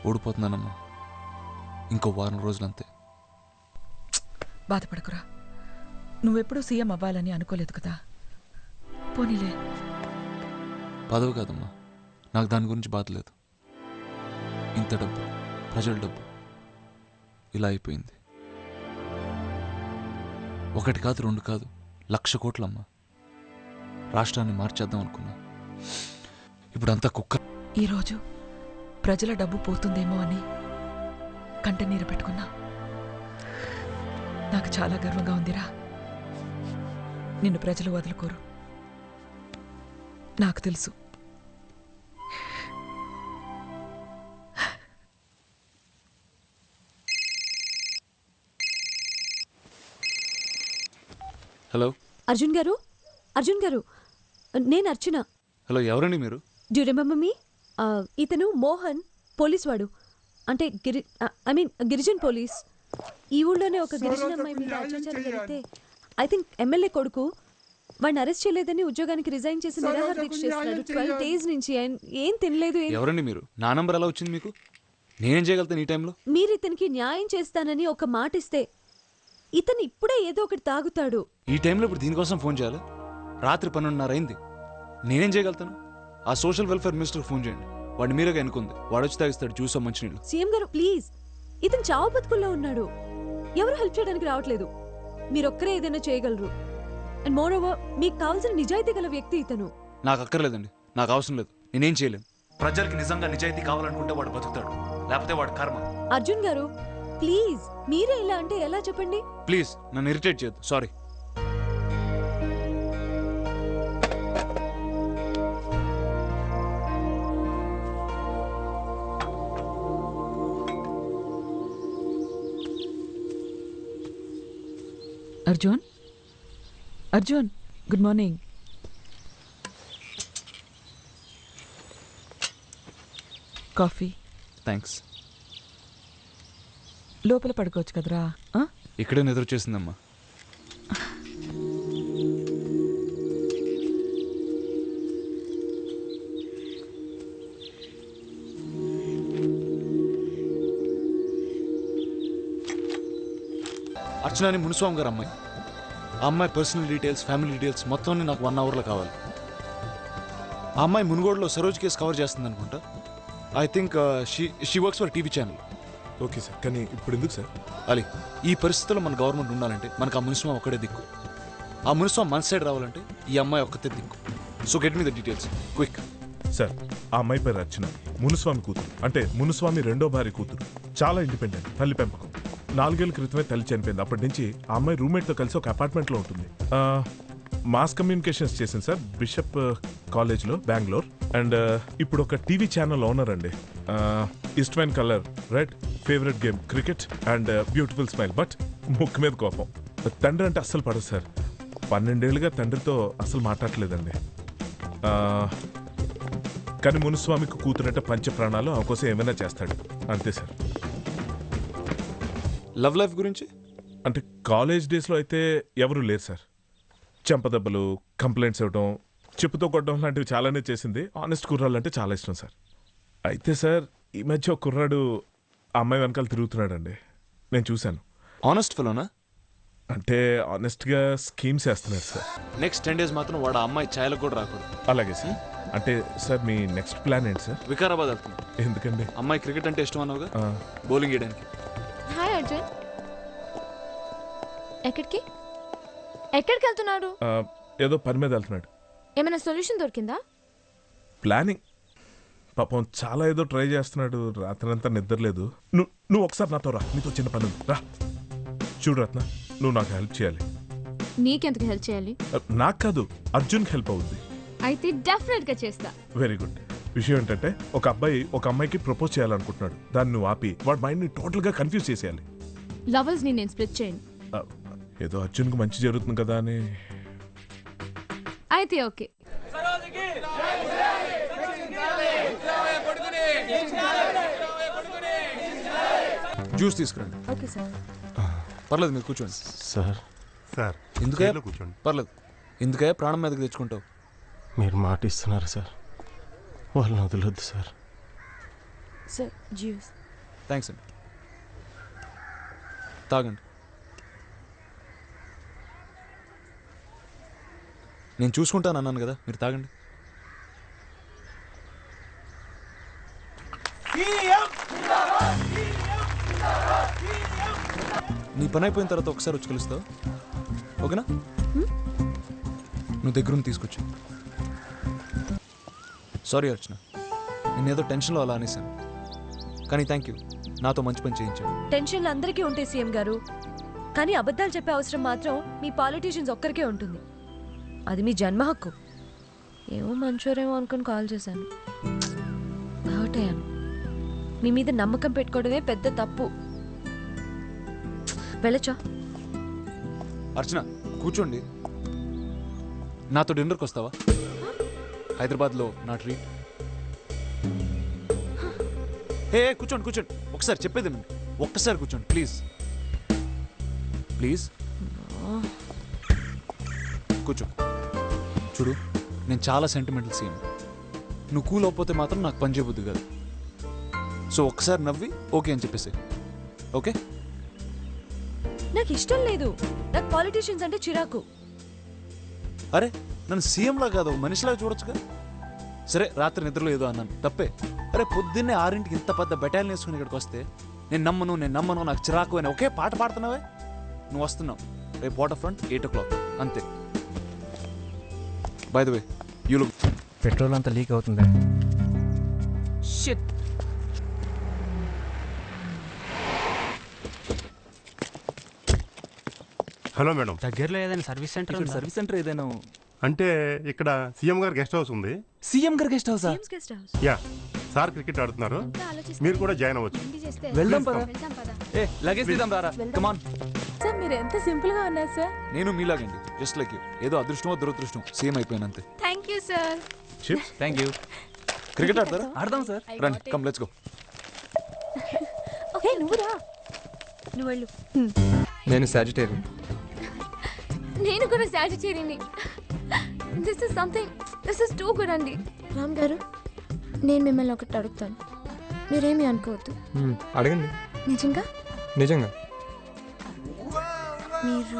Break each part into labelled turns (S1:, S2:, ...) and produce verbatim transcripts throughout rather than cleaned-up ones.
S1: ఓడిపోతున్నానమ్మా. ఇంకో వారం రోజులంతే.
S2: బాధపడకురా, నువ్వెప్పుడూ సీఎం అవ్వాలని అనుకోలేదు కదా. పోనీలే.
S1: పదవి కాదమ్మా, నాకు దాని గురించి బాధ లేదు. ఇంత డబ్బు, ప్రజల డబ్బు ఇలా అయిపోయింది. ఒకటి కాదు, రెండు కాదు, లక్ష కోట్లమ్మా. రాష్ట్రాన్ని మార్చేద్దాం అనుకున్నా, ఇప్పుడంతా కుక్క.
S2: ఈరోజు ప్రజల డబ్బు పోతుందేమో అని కంటనీరు పెట్టుకున్నా. నాకు చాలా గర్వంగా ఉందిరా. నిన్ను ప్రజలు వదులుకోరు, నాకు తెలుసు.
S1: హలో
S3: అర్జున్ గారు, అర్జున్ గారు, నేను అర్చన.
S1: హలో, ఎవరండి మీరు?
S3: Do remember me? ఇతను మోహన్, పోలీస్ వాడు. అంటే Giri I mean Girijan police. ఈ ఊళ్ళోనే ఒక గిరిజన అమ్మాయి మీద అత్యాచారం జరిగితే ఐ థింక్ ఎమ్మెల్యే కొడుకు వాడిని అరెస్ట్ చేయలేదని ఉద్యోగానికి రిజైన్ చేసి నిరాహార దీక్ష చేస్తున్నాడు. ట్వెల్వ్ డేస్ నుంచి ఏం తినలేదు.
S1: ఎవరండి మీరు? నా నంబర్ ఎలా వచ్చింది మీకు? నేనేం చేయగలుగుతాను ఈ టైంలో?
S3: మీరు ఇతనికి న్యాయం చేస్తానని ఒక మాట ఇస్తే ఇతను ఇప్పుడే ఏదో ఒకటి తాగుతాడు.
S1: ఈ టైంలో ఇప్పుడు దీనికోసం ఫోన్ చేయాలి? రాత్రి పన్నెండున్నర అయింది. నేనేం చేయగలుగుతాను? ఆ సోషల్ వెల్ఫేర్ మినిస్టర్ ఫోన్ చేయండి. వాడిని మీరుగా ఎన్నుకుంది. వాడు వచ్చి తాగిస్తాడు జ్యూస్, మంచినీళ్ళు.
S3: సీఎం గారు ప్లీజ్, ఇతను చావు బతుకుల్లో ఉన్నాడు. ఎవరు హెల్ప్ చేయడానికి రావట్లేదు. మీరొక్కరే ఏదైనా చేయగలరు. అండ్ మోర్ ఓవర్, మీకు కావాల్సిన నిజాయితీ గల వ్యక్తి ఇతను.
S1: నాకు అక్కర్లేదండి, నాకు అవసరం లేదు. నేనేం చేయలేను. ప్రజలకి నిజంగా నిజాయితీ కావాలనుకుంటే వాడు బతుకుతాడు, లేకపోతే వాడు కర్మ.
S3: అర్జున్ గారు ప్లీజ్, మీరే ఇలా అంటే ఎలా చెప్పండి?
S1: ప్లీజ్ నన్ను ఇరిటేట్ చేయొద్దు. Sorry.
S2: Arjun, Arjun, good morning. Coffee.
S1: Thanks.
S2: లోపల పడుకోవచ్చు కదరా.
S1: ఇక్కడే నిద్ర చేసిందమ్మా. అర్చనాని మునిస్వామి గారు అమ్మాయి. ఆ అమ్మాయి పర్సనల్ డీటెయిల్స్, ఫ్యామిలీ డీటెయిల్స్ మొత్తం నాకు వన్ అవర్లో కావాలి. ఆ అమ్మాయి మునుగోడులో సరోజ్ కేసు కవర్ చేస్తుంది అనుకుంటా. I think she she works for TV channel.
S4: Okay sir, కానీ ఇప్పుడు ఎందుకు సార్?
S1: అలీ, ఈ పరిస్థితుల్లో మన గవర్నమెంట్ ఉండాలంటే మనకు ఆ మునిస్వామి ఒక్కడే దిక్కు. ఆ మునిస్వామి మన సైడ్ రావాలంటే ఈ అమ్మాయి ఒక్కతే దిక్కు. So get me the details quick.
S4: Sir, ఆ అమ్మాయి పేరు అర్చన, మునుస్వామి కూతురు. అంటే మునుస్వామి రెండో భార్య కూతురు. చాలా ఇండిపెండెంట్, తల్లి పెంపకం. నాలుగేళ్ల క్రితమే తల్లి చనిపోయింది. అప్పటి నుంచి ఆ అమ్మాయి రూమ్మేట్తో కలిసి ఒక అపార్ట్మెంట్లో ఉంటుంది. మాస్ కమ్యూనికేషన్స్ చేసింది సార్ బిషప్ కాలేజ్లో, బెంగళూరు. అండ్ ఇప్పుడు ఒక టీవీ ఛానల్ ఓనర్ అండి. ఇష్టమైన colour red, favourite game cricket and beautiful smile. But ముక్కు మీద కోపం. తండ్రి అంటే అస్సలు పడదు సార్. పన్నెండేళ్ళుగా తండ్రితో అస్సలు మాట్లాడలేదండి. కానీ మునుస్వామికి కూతురంటే పంచ ప్రాణాలు, ఆ కోసం ఏమైనా చేస్తాడు అంతే సార్.
S1: లవ్ లైఫ్ గురించి
S4: అంటే కాలేజ్ డేస్లో అయితే ఎవరూ లేరు సార్. చెంపదెబ్బలు, కంప్లైంట్స్ ఇవ్వడం, చెప్పుతో కొట్టడం లాంటివి చాలానే చేసింది. ఆనెస్ట్ కుర్రాళ్ళు అంటే చాలా ఇష్టం సార్. అయితే సార్, ఈ మధ్య ఒక కుర్రాడు ఆ అమ్మాయి వెనకాల తిరుగుతున్నాడండి. నేను చూశాను.
S1: ఆనెస్ట్ ఫెలోనా?
S4: అంటే ఆనెస్ట్గా స్కీమ్స్ వేస్తున్నారు సార్.
S1: నెక్స్ట్ టెన్ డేస్ మాత్రం వాడు ఆ అమ్మాయి ఛాయలకు కూడా రాకూడదు.
S4: అలాగే సార్. అంటే సార్, మీ నెక్స్ట్ ప్లాన్ ఏంటి సార్?
S1: వికారాబాద్ వెళ్తుంది.
S4: ఎందుకండి?
S1: అమ్మాయి క్రికెట్ అంటే ఇష్టం అన్నావుగా, బౌలింగ్ వేయడానికి.
S5: హాయ్ అర్జున్, ఎక్కడికి ఎక్కడికి వెళ్తున్నాడు?
S4: ఏదో పని మీద వెళ్తున్నాడు.
S5: ఏమైనా సొల్యూషన్ దొరికిందా?
S4: ప్లానింగ్. పాపం చాలా ఏదో ట్రై చేస్తున్నాడు. రాత్రంతా నిద్రలేదు. నువ్వు నువ్వు ఒకసారి నాతో రా, నీతో చిన్న పని ఉంది. రా. చూడు రత్న, నువ్వు నాకు హెల్ప్ చేయాలి.
S5: నీకెందుకు హెల్ప్ చేయాలి?
S4: నాకు కాదు, అర్జున్కి హెల్ప్ అవుద్ది.
S5: అయితే డెఫినెట్ గా చేస్తా.
S4: Very good. విషయం ఏంటంటే, ఒక అబ్బాయి ఒక అమ్మాయికి ప్రపోజ్ చేయాలనుకుంటున్నాడు. దాన్ని నువ్వు ఆపి వాడి మైండ్ ని టోటల్ గా కన్ఫ్యూజ్ చేసేయాలి.
S5: లవర్స్ ని నేను స్ప్లిట్ చేయను.
S4: ఏదో అర్జున్కి మంచి జరుగుతుంది కదా అని.
S5: అయితే ఓకే.
S1: జ్యూస్ తీసుకురండి.
S3: Okay sir.
S1: పర్లేదు, మీరు కూర్చోండి.
S6: సార్
S7: సార్
S1: ఎందుకే
S7: కూర్చోండి.
S1: పర్లేదు. ఎందుకే ప్రాణం మీదకి తెచ్చుకుంటావు?
S6: మీరు మాట ఇస్తున్నారు సార్, వాళ్ళని వదలొద్దు సార్. Sir juice.
S1: థ్యాంక్స్ అండి. తాగండి. నేను చూసుకుంటాను అన్నాను కదా, మీరు తాగండి. నీ పని అయిపోయిన తర్వాత ఒకసారి వచ్చి కలుస్తావు, ఓకేనా? నువ్వు దగ్గరుండి తీసుకొచ్చు. సారీ అర్చన, నేనేదో టెన్షన్లో అలా అనేసాను, కానీ థ్యాంక్ యూ, నాతో మంచి పని చేయించాడు.
S3: టెన్షన్లు అందరికీ ఉంటాయి సీఎం గారు, కానీ అబద్ధాలు చెప్పే అవసరం మాత్రం మీ పాలిటీషియన్స్ ఒక్కరికే ఉంటుంది. అది మీ జన్మ హక్కు. ఏమో మంచోరేమో అనుకుని కాల్ చేశాను, హర్ట్ అయ్యాను. మీ మీద నమ్మకం పెట్టుకోవడమే పెద్ద తప్పు. వెళ్ళొచ్చా?
S1: అర్చన కూర్చోండి. నాతో డిన్నర్కి వస్తావా? హైదరాబాద్లో నా ట్రీట్. ఏ కూర్చోండి కూర్చోండి, ఒకసారి చెప్పేది వినండి. ఒక్కసారి కూర్చోండి ప్లీజ్ ప్లీజ్. కూర్చో. చూడు, నేను చాలా సెంటిమెంటల్ సీఎం. నువ్వు కూల్ అవ్వకపోతే మాత్రం నాకు పని చేయబుద్ది కాదు. సో ఒక్కసారి నవ్వి ఓకే అని చెప్పేసి. ఓకే?
S3: నాకు ఇష్టం లేదు. నాకు పాలిటీషియన్స్ అంటే చిరాకు.
S1: అరే నన్ను సీఎంలా కాదు మనిషిలాగా చూడొచ్చుగా. సరే రాత్రి నిద్రలో ఏదో అన్నాను, తప్పే. అరే పొద్దున్నే ఆరింటికి ఇంత పెద్ద బెటాలియన్ వేసుకుని ఇక్కడికి వస్తే నేను నమ్మను నేను నమ్మను నాకు చిరాకు అని ఒకే పాట పాడుతున్నావే. నువ్వు వస్తున్నావు రేపు water front eight o'clock అంతే. By the way you look.
S7: Petrol అంతా లీక్ అవుతుంది.
S2: షిట్.
S8: Hello madam.
S7: దగ్గరలో ఏదైనా సర్వీస్ సెంటర్
S1: ఇక్కడ సర్వీస్ సెంటర్ ఏదైనా?
S8: అంటే ఇక్కడ సీఎం గారు గెస్ట్ హౌస్ ఉంది.
S1: సీఎం గారి గెస్ట్ హౌసా?
S3: CM's guest house.
S8: Ya, sir cricket ఆడుతున్నారు, మీరు కూడా జాయిన్ అవ్వచ్చు.
S1: వెళ్దాం పద.
S5: వెళ్దాం పద.
S1: ఏ లగేజ్ తీద్దాం రారా. Come on.
S6: సార్ మీరు ఎంత సింపుల్ గా ఉన్నారు సార్.
S1: నేను మీలాగండి, జస్ట్ లైక్ యూ. ఏదో అదృష్టమో దురదృష్టం సీఎం అయిపోయానంతే.
S5: Thank you sir.
S4: Chips.
S1: Thank you. Cricket ఆడతారా?
S7: ఆడదాం సార్.
S1: రండి, కమ్ లెట్స్ గో.
S3: ఓకే నువ్వు రా. నువ్వు వెళ్ళు.
S7: నేను సాజిటేరియన్.
S5: నేను కూడా సాజిటేరియన్ని. This is something, this is too good అండి. రామ్ గారు, నేను మిమ్మల్ని ఒకటి అడుగుతాను, మీరేమీ అనుకోవద్దు.
S7: అడగండి.
S5: నిజంగా
S7: నిజంగా
S5: మీరు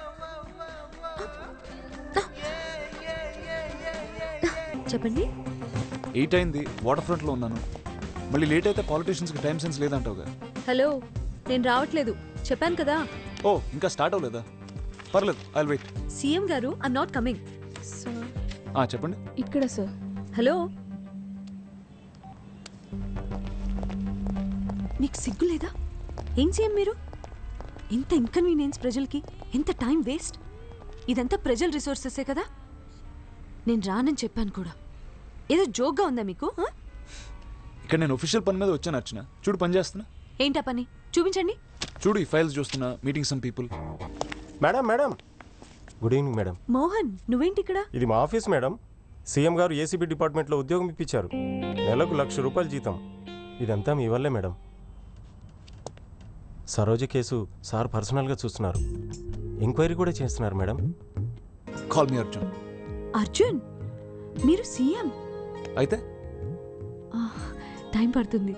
S3: చెప్పండి.
S1: ఎయిట్ అయింది, వాటర్ ఫ్రంట్లో ఉన్నాను. మళ్ళీ లేట్ అయితే పాలిటీషియన్స్కి టైం సెన్స్ లేదంటావుగా.
S3: హలో, నేను రావట్లేదు చెప్పాను కదా.
S1: ఓ ఇంకా స్టార్ట్ అవ్వలేదా? పర్లేదు, ఐ విల్ వెయిట్.
S3: సీఎం గారు ఐమ్ నాట్ కమింగ్.
S5: సార్
S1: ఆ చెప్పండి.
S6: ఇక్కడ సార్.
S3: హలో, నీకు సిగ్గు లేదా? ఏం సీఎం మీరు? ఎంత ఇన్కన్వీనియన్స్ ప్రజలకి, ఎంత టైం వేస్ట్. ఇదంతా ప్రజల రిసోర్సెసే కదా. నేను రానని చెప్పాను కూడా. ఏదో జోక్గా ఉందా మీకు? ఆ?
S1: ఇక్కడ నేను ఒఫీషియల్ పని మీద వచ్చాను అర్చన. చూడు పని చేస్తున్నా.
S3: ఏంటా పని చూపించండి.
S1: చూడు ఈ ఫైల్స్ చూస్తున్నా, meeting some people.
S9: Madam madam good evening madam.
S3: Mohan నువ్వేంటి ఇక్కడ?
S9: ఇది మా ఆఫీస్ మేడం. సీఎం గారు ఏసీబీ డిపార్ట్మెంట్లో ఉద్యోగం ఇప్పించారు. నెలకు లక్ష రూపాయలు జీతం. ఇదంతా మీ వల్లే మేడం. సరోజ కేసు సార్ పర్సనల్గా చూస్తున్నారు, ఎంక్వైరీ కూడా చేస్తున్నారు madam.
S1: Call me Arjun.
S3: Arjun, మీరు సీఎం
S1: అయితే
S3: టైం పడుతుంది.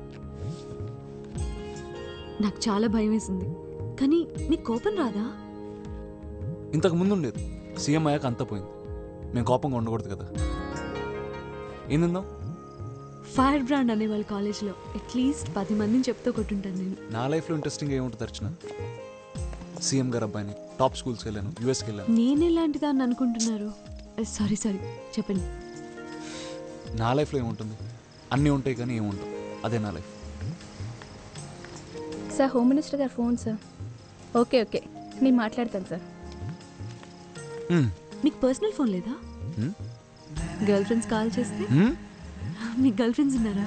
S3: నాకు చాలా భయం వేసింది, కానీ నీకు కోపం రాదా?
S1: ఇంతకు ముందు ఉండేది, సీఎం అయ్యాక అంతా పోయింది. మేము కోపంగా ఉండకూడదు కదా. ఏం తిందాం?
S3: ఫైర్ బ్రాండ్ అనేవాళ్ళు కాలేజ్లో అట్లీస్ట్ పది మందిని చెప్తూ కొట్టుంటాను నేను.
S1: నా లైఫ్లో ఇంట్రెస్టింగ్ ఏముంటుంది అర్చన? సీఎం గారు అబ్బాయిని, టాప్ స్కూల్స్కి వెళ్ళాను, యూఎస్కి వెళ్ళాను.
S3: నేను ఎలాంటిదా అని అనుకుంటున్నారు? సారీ సారీ చెప్పండి.
S1: నా లైఫ్లో ఏముంటుంది? అన్నీ ఉంటాయి కానీ ఏముంటాయి, అదే నా లైఫ్.
S6: సార్ హోమ్ మినిస్టర్ గారు ఫోన్ సార్. ఓకే ఓకే నేను మాట్లాడతాను సార్.
S3: మీకు పర్సనల్ ఫోన్ లేదా? గర్ల్ ఫ్రెండ్స్ కాల్ చేస్తే? మీకు గర్ల్ ఫ్రెండ్స్ ఉన్నారా?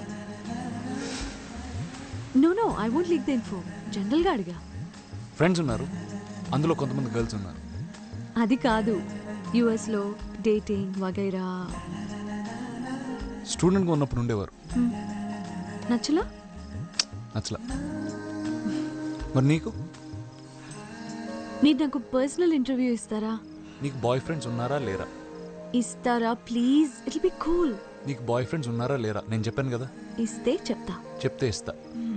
S3: No no I won't leak the info. జనరల్గా అడిగా.
S1: ఫ్రెండ్స్ ఉన్నారు, అందులో కొంతమంది గర్ల్స్ ఉన్నారు.
S3: అది కాదు, యుఎస్లో డేటింగ్ వగైరా.
S1: స్టూడెంట్గా ఉన్నప్పుడు ఉండేవారు.
S3: నచ్చలా?
S1: నచ్చలా. మరి నీకు?
S3: మీరు నాకు పర్సనల్ ఇంటర్వ్యూ ఇస్తారా?
S1: నీకు బాయ్ ఫ్రెండ్స్ ఉన్నారా లేరా?
S3: ఇస్తారా please? It will be cool.
S1: నీకు బాయ్ ఫ్రెండ్స్ ఉన్నారా లేరా? నేను చెప్పాను కదా.
S3: ఇస్తే చెప్తా.
S1: చెప్తే ఇస్తా.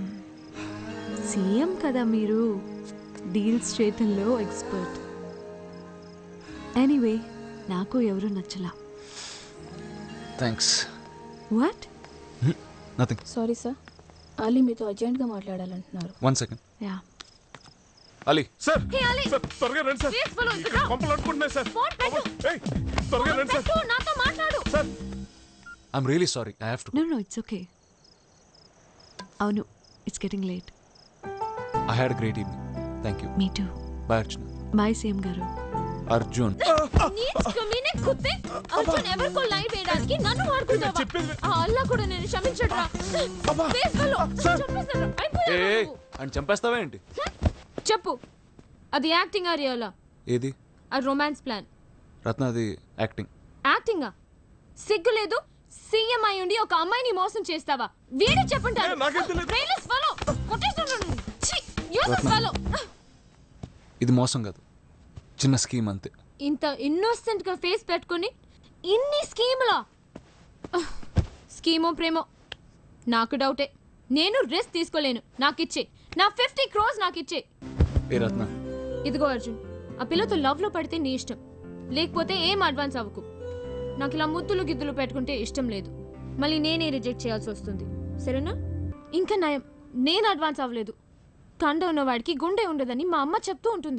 S3: సీఎం కదా మీరు, డీల్స్ చేయటంలో ఎక్స్పర్ట్. ఎనీవే నాకు ఎవరు నచ్చలా.
S1: Thanks.
S3: What?
S1: Nothing.
S6: Sorry sir, Ali మీతో అర్జెంట్గా మాట్లాడాలంటున్నారు.
S1: One second.
S3: Ya.
S1: Ali.
S4: Sir
S5: Hey, Ali.
S4: Sir త్వరగా రండి సార్.
S5: Please follow,
S4: ఇక్కడ
S5: sit down.
S4: కొంపలు అనుకుంటున్నాయి సార్.
S5: ఫోన్ పెట్టు.
S4: ఏయ్, త్వరగా రండి సార్.
S5: పెట్టు, నాతో మాట్లాడు.
S4: Sir
S1: I'm really sorry. I have to.
S3: No no it's okay. అవును, it's getting late.
S1: I had great evening. Thank you.
S3: మీ too.
S1: Bye Arjun.
S3: Bye CM గారు.
S1: అర్జున్.
S5: నీచ్ కమీనే కుత్తే. అర్జున్ ఎవరికో లైన్ వేయడానికి నన్ను వాడుకుంటావా? ఆ అల్లా కూడా నేను క్షమించడురా. Please follow. చంపేస్తాను.
S1: ఏ
S5: అయిపోయావు నువ్వు.
S1: అని చంపేస్తావా ఏంటి?
S5: చెప్పు, అది యాక్టింగ్ ఆ రియలా?
S1: ఏది?
S5: ఆ రొమాన్స్ ప్లాన్.
S1: రత్న, అది యాక్టింగ్.
S5: యాక్టింగా? సిగ్గు లేదు? సీఎం అయి ఉండి ఒక అమ్మాయిని మోసం చేస్తావా? వీడే చెప్పుంటారు.
S4: ఏ, నాకేం తెలియదు.
S5: Brainless fellow. కొట్టేస్తున్నాను. ఛీ, useless
S1: రత్న.
S5: fellow.
S1: ఇది మోసం కాదు, చిన్న స్కీమ్ అంతే.
S5: ఇంత ఇన్నోసెంట్ గా ఫేస్ పెట్టుకుని ఇన్ని స్కీములా? స్కీమో ప్రేమో నాకు డౌటే. నేను రిస్క్ తీసుకోలేను. నాకు ఇచ్చే నా ఫిఫ్టీ క్రోస్ నాకు ఇచ్చే.
S1: ఏ రత్న,
S5: ఇదిగో అర్జున్, ఆ పిల్లతో లవ్ లో పడితే నీ ఇష్టం, లేకపోతే ఏం అడ్వాన్స్ అవ్వకు. నాకు ఇలా ముద్దులు గిద్దులు పెట్టుకుంటే ఇష్టం లేదు. మళ్ళీ నేనే రిజెక్ట్ చేయాల్సి వస్తుంది, సరేనా? ఇంకా నయం, నేను అడ్వాన్స్ అవ్వలేదు. కండ ఉన్నవాడికి గుండె ఉండదని మా అమ్మ చెప్తూ ఉంటుంది.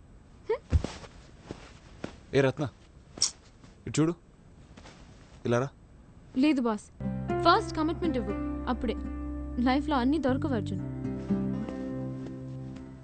S1: ఏ రత్న, ఇటు చూడు. ఇలారా.
S5: లేదు బాస్, ఫస్ట్ కమిట్మెంట్ ఇవ్వు, అప్పుడే లైఫ్లో అన్నీ దొరకవు అర్జున్.